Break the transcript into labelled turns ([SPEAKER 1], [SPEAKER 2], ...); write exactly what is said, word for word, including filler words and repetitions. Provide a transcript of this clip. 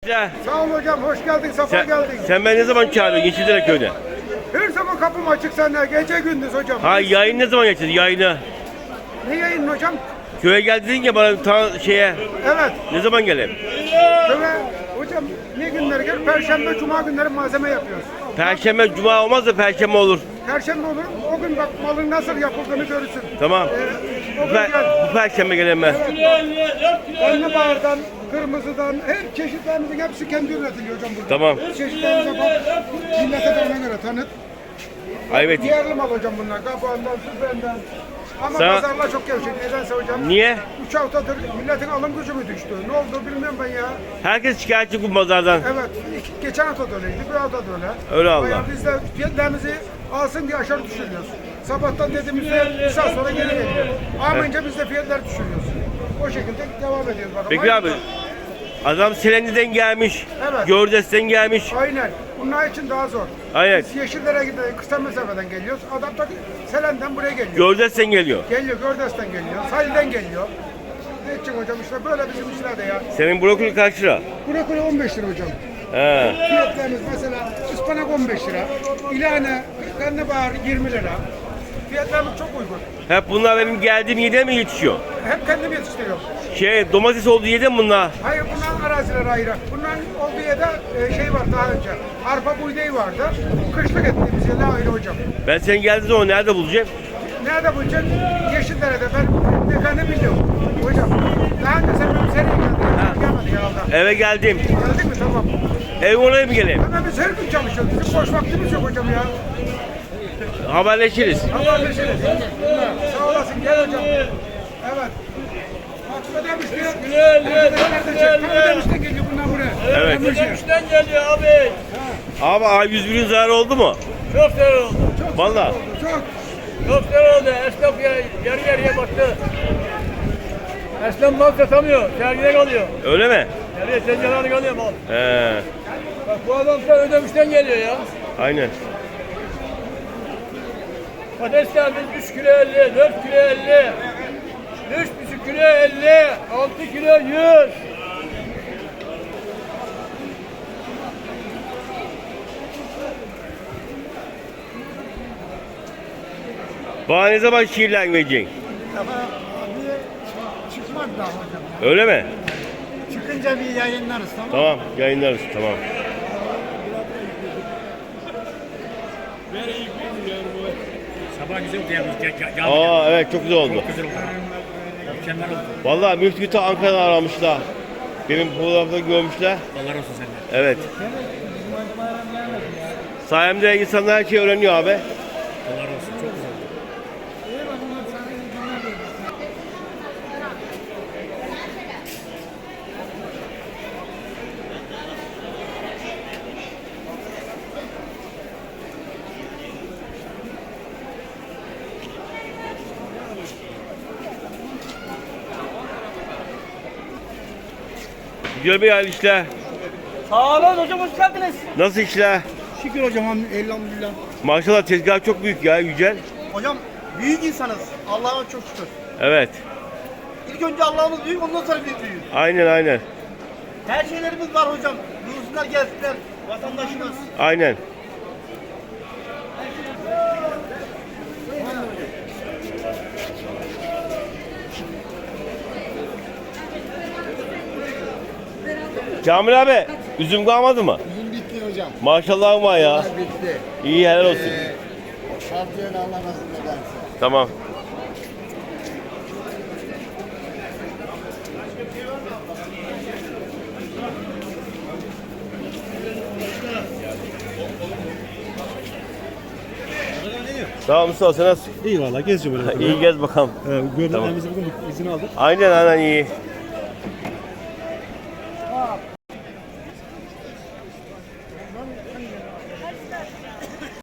[SPEAKER 1] Sağ ol hocam, hoş geldin, safa
[SPEAKER 2] Sen,
[SPEAKER 1] geldin.
[SPEAKER 2] sen ben ne zaman çağırıyorsun Yeşildere köyde?
[SPEAKER 1] Her zaman kapım açık sende, gece gündüz hocam.
[SPEAKER 2] Ha yayın ne zaman geçeceğiz yayını?
[SPEAKER 1] Ne yayın hocam?
[SPEAKER 2] Köye gel dedin ya bana ta şeye.
[SPEAKER 1] Evet.
[SPEAKER 2] Ne zaman geleyim?
[SPEAKER 1] Köve, hocam ne günleri gel? Perşembe, cuma günleri malzeme yapıyoruz.
[SPEAKER 2] Perşembe, cuma olmaz da perşembe olur.
[SPEAKER 1] Perşembe olur, o gün bak malın nasıl yapıldığını görürsün.
[SPEAKER 2] Tamam.
[SPEAKER 1] Ee, o
[SPEAKER 2] Bu,
[SPEAKER 1] gün
[SPEAKER 2] per,
[SPEAKER 1] gel.
[SPEAKER 2] bu perşembe geleyim ben.
[SPEAKER 1] Karnabahardan, kırmızıdan, her çeşitlerimizin hepsi kendi üretiliyor hocam burada.
[SPEAKER 2] Tamam.
[SPEAKER 1] Çeşitlerimize bak, millete de ona göre tanıt.
[SPEAKER 2] Evet.
[SPEAKER 1] Yerli mal hocam bunlar, kabuğundan, süzbenden. Ama
[SPEAKER 2] Sana-
[SPEAKER 1] pazarlar çok gevşek, nedense hocam.
[SPEAKER 2] Niye?
[SPEAKER 1] Üç haftadır milletin alım gücü mü düştü? Ne oldu bilmiyorum ben ya.
[SPEAKER 2] Herkes şikayetçi bu pazardan.
[SPEAKER 1] Evet, iki- geçen hafta da öyleydi, bir hafta da öyle.
[SPEAKER 2] Öyle Allah.
[SPEAKER 1] Bayağı biz de fiyatlarımızı alsın diye aşağı düşürüyoruz. Sabahtan dediğimizde bir saat sonra geri geliyor. Almayınca biz de fiyatları düşürüyoruz. O şekilde devam ediyoruz. Bakalım.
[SPEAKER 2] Peki abi. Adam Selendi'den gelmiş.
[SPEAKER 1] Evet.
[SPEAKER 2] Gördes'ten gelmiş.
[SPEAKER 1] Aynen. Bunlar için daha zor.
[SPEAKER 2] Aynen.
[SPEAKER 1] Biz Yeşillere gidiyoruz, kısa mesafeden geliyoruz. Adam da Selen'den buraya geliyor.
[SPEAKER 2] Gördes'ten geliyor.
[SPEAKER 1] Geliyor, Gördes'ten geliyor, Salih'den geliyor. Ne için hocam işte böyle bizim işler de ya.
[SPEAKER 2] Senin brokoli kaç lira?
[SPEAKER 1] Brokoli on beş lira hocam.
[SPEAKER 2] He.
[SPEAKER 1] Fiyatlarımız mesela ıspanak on beş lira, ilane, karnabahar yirmi lira. Fiyatlarımız çok uygun.
[SPEAKER 2] Hep bunlar benim geldiğim yerde mi yetişiyor?
[SPEAKER 1] Hep kendim yetiştiriyorum.
[SPEAKER 2] Şey domates olduğu yerde mi bunlar?
[SPEAKER 1] Hayır bunların arazileri ayrı. Bunların olduğu yerde e, şey var daha önce. Arpa buğdayı vardı. Kışlık ettiğimiz yerler ayrı hocam.
[SPEAKER 2] Ben sen geldiğin zaman nerede bulacağım?
[SPEAKER 1] Nerede bulacaksın? Yeşildere'de. Ben ne kadar biliyorum. Hocam daha önce sen benim seriye geldin. Gelmedi herhalde.
[SPEAKER 2] Eve geldim.
[SPEAKER 1] Geldik mi? Tamam.
[SPEAKER 2] Ev oraya mı geleyim?
[SPEAKER 1] Hemen biz her gün çalışıyoruz. Bizim boş vaktimiz yok hocam ya.
[SPEAKER 2] Haberleşiriz.
[SPEAKER 1] Haberleşiriz. Sağ olasın gel hocam. Evet. Bak ödemiş diyor. Ödemişten geliyor bundan buraya.
[SPEAKER 2] Evet.
[SPEAKER 3] Ödemişten geliyor abi.
[SPEAKER 2] Abi A yüz birin zararı oldu mu?
[SPEAKER 3] Çok güzel oldu.
[SPEAKER 2] Vallahi.
[SPEAKER 1] Çok.
[SPEAKER 3] Çok güzel oldu. Esnaf ya, yarı yarıya battı. Esnaf mal satamıyor. Sergide kalıyor.
[SPEAKER 2] Öyle mi?
[SPEAKER 3] Yarıya tencereleri kalıyor mal.
[SPEAKER 2] He.
[SPEAKER 3] Bak bu adam da ödemişten geliyor ya.
[SPEAKER 2] Aynen.
[SPEAKER 3] Patateslerimiz üç kilo elli, dört kilo elli, üç buçuk kilo elli, altı kilo yüz.
[SPEAKER 2] Bana ne zaman şiirler vereceksin?
[SPEAKER 4] Ama abi çıkmadı daha hocam.
[SPEAKER 2] Öyle mi?
[SPEAKER 4] Çıkınca bir yayınlarız tamam mı?
[SPEAKER 2] Tamam yayınlarız tamam.
[SPEAKER 5] Sabah güzel oldu yalnız. Gel, gel, gel.
[SPEAKER 2] Aa evet çok güzel oldu.
[SPEAKER 5] Güzel oldu. Mükemmel oldu.
[SPEAKER 2] Vallahi Müftü Ankara'dan aramışlar. Benim fotoğrafta görmüşler.
[SPEAKER 5] Allah razı olsun senden.
[SPEAKER 2] Evet. Sayemde insanlar her şeyi öğreniyor abi.
[SPEAKER 5] Allah razı olsun. Çok güzel oldu.
[SPEAKER 2] Güzel bir hal işler.
[SPEAKER 3] Sağ olun hocam, hoş geldiniz.
[SPEAKER 2] Nasıl işler?
[SPEAKER 4] Şükür hocam elhamdülillah.
[SPEAKER 2] Maşallah tezgah çok büyük ya Yücel.
[SPEAKER 4] Hocam büyük insanız. Allah'a çok şükür.
[SPEAKER 2] Evet.
[SPEAKER 4] İlk önce Allah'ımız büyük ondan sonra biz büyüğüz.
[SPEAKER 2] Aynen aynen.
[SPEAKER 4] Her şeylerimiz var hocam. Buyursunlar gelsinler. Vatandaşımız.
[SPEAKER 2] Aynen. Kamil abi, üzüm kalmadı mı?
[SPEAKER 4] Bizim bitti hocam.
[SPEAKER 2] Maşallah var ya.
[SPEAKER 4] Bitti.
[SPEAKER 2] İyi helal olsun.
[SPEAKER 4] Şartlarını Allah nasip ederse.
[SPEAKER 2] Tamam. Sağ ol Mustafa, sen nasılsın?
[SPEAKER 6] İyi valla geziyor böyle.
[SPEAKER 2] İyi gez bakalım.
[SPEAKER 6] Ee,
[SPEAKER 2] Tamam.
[SPEAKER 6] Görünmemizi bugün izin aldık.
[SPEAKER 2] Aynen aynen iyi.